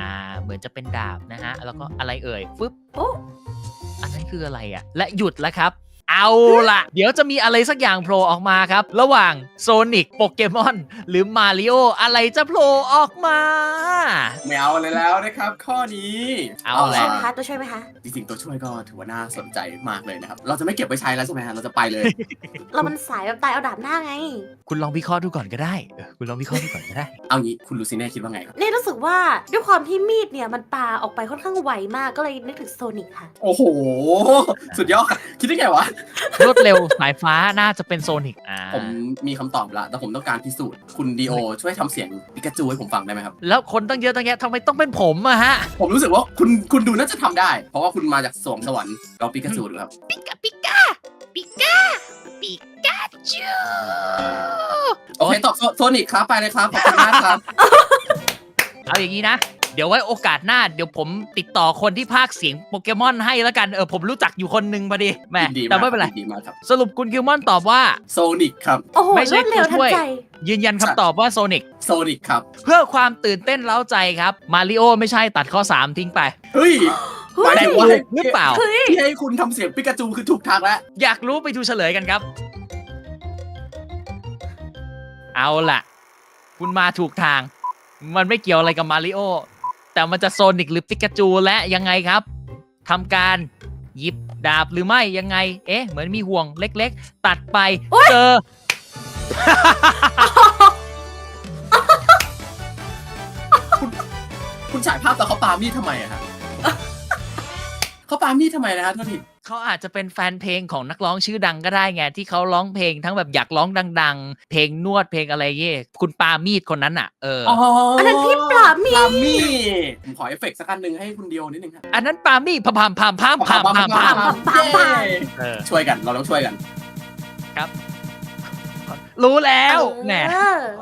เหมือนจะเป็นดาบนะฮะแล้วก็อะไรเอ่ยฟึบโอ้อันนั้นคืออะไรอ่ะและหยุดแล้วครับ เอาล่ะ เดี๋ยวจะมีอะไรสักอย่างโผล่ออกมาครับ ระหว่างโซนิกโปเกมอนหรือมาริโออะไรจะโผล่ออกมาไม่เอาเลยแล้วนะครับ ข้อนี้เอาแหช่ละวยไหมคะตัวช่วยไหมคะจริงๆตัวช่วยก็ถือว่าน่าสนใจมากเลยนะครับ เราจะไม่เก็บไว้ใช้แล้วใช่ไหมฮะเราจะไปเลยเรามันสายแบบตายเอาดาบหน้าไงคุณลองวิเคราะห์ดูก่อนก็ได้คุณลองวิเคราะห์ดูก่อนก็ได้เอางี้คุณลูซิเน่คิดว่าไงครับนี่รู้สึกว่าด้วยความที่มีดเนี่ยมันปาออกไปค่อนข้างไวมากก็เลยนึกถึงโซนิกค่ะโอ้โห สุดยอดคิดได้ไงวะรวดเร็วสายฟ้าน่าจะเป็นโซนิกผมมีคำตอบละแต่ผมต้องการพิสูจน์คุณดีโอช่วยทำเสียงปิกาจูให้ผมฟังได้ไหมครับแล้วคนตั้งเยอะตั้งแยะทำไมต้องเป็นผมอะฮะผมรู้สึกว่าคุณดูน่าจะทำได้ เพราะว่าคุณมาจากสวงสวรรค์ลองปิกาจูดูครับปิกาปิกาปิกาปิกาจูโอเคตอบโซนิกครับไปเลยครับขอบคุณมากครับเอาอย่างนี้นะ เดี๋ยวไว้โอกาสหน้าเดี๋ยวผมติดต่อคนที่พากย์เสียงโปเกมอนให้แล้วกันผมรู้จักอยู่คนหนึงพอดีแหมยินดีแต่มากไม่เป็นไรยินดีมากครับสรุปคุณคิวมอนตอบว่าโซนิกครับโอ้โหไม่รใช่วดเร็วผู้ทัช่นวยใจยืนยันคำตอบว่าโซนิกโซนิกครับเพื่อความตื่นเต้นเล้าใจครับมาริโอไม่ใช่ตัดข้อ 3 ทิ้งไปเฮ้ยเฮ้ยแต่หมายถึงว่าถูกหรือเปล่าเฮ้ยที่ให้คุณทำเสียงปิกาจูคือถูกทางแล้วอยากรู้ไปดูเฉลยกันครับ เอาล่ะ คุณมาถูกทาง มันไม่เกี่ยวอะไรกับมาริโอแต่มันจะโซนิกหรือปิกาจูและยังไงครับทำการหยิบดาบหรือไม่ยังไง เหมือนมีห่วงเล็กๆ ตัดไปเจอคุณฉายภาพตอนเขาปามีดทำไมอะฮะ เขาปามีดทำไมนะฮะโทษทีเขาอาจจะเป็นแฟนเพลงของนักร้องชื่อดังก็ได้ไงที่เขาร้องเพลงทั้งแบบอยากร้องดังๆ เพลงนวดเพลงอะไรเงี้ยคุณปามีดคนนั้นอ่ะอันนั้นพี่ปลาหมี่ปามีดผมขอเอฟเฟกต์สักอันหนึ่งให้คุณเดียวนิดนึงครับอันนั้นปามีดพามพามพามพามพามพามช่วยกันเราต้องช่วยกันรู้แล้วแหมเออ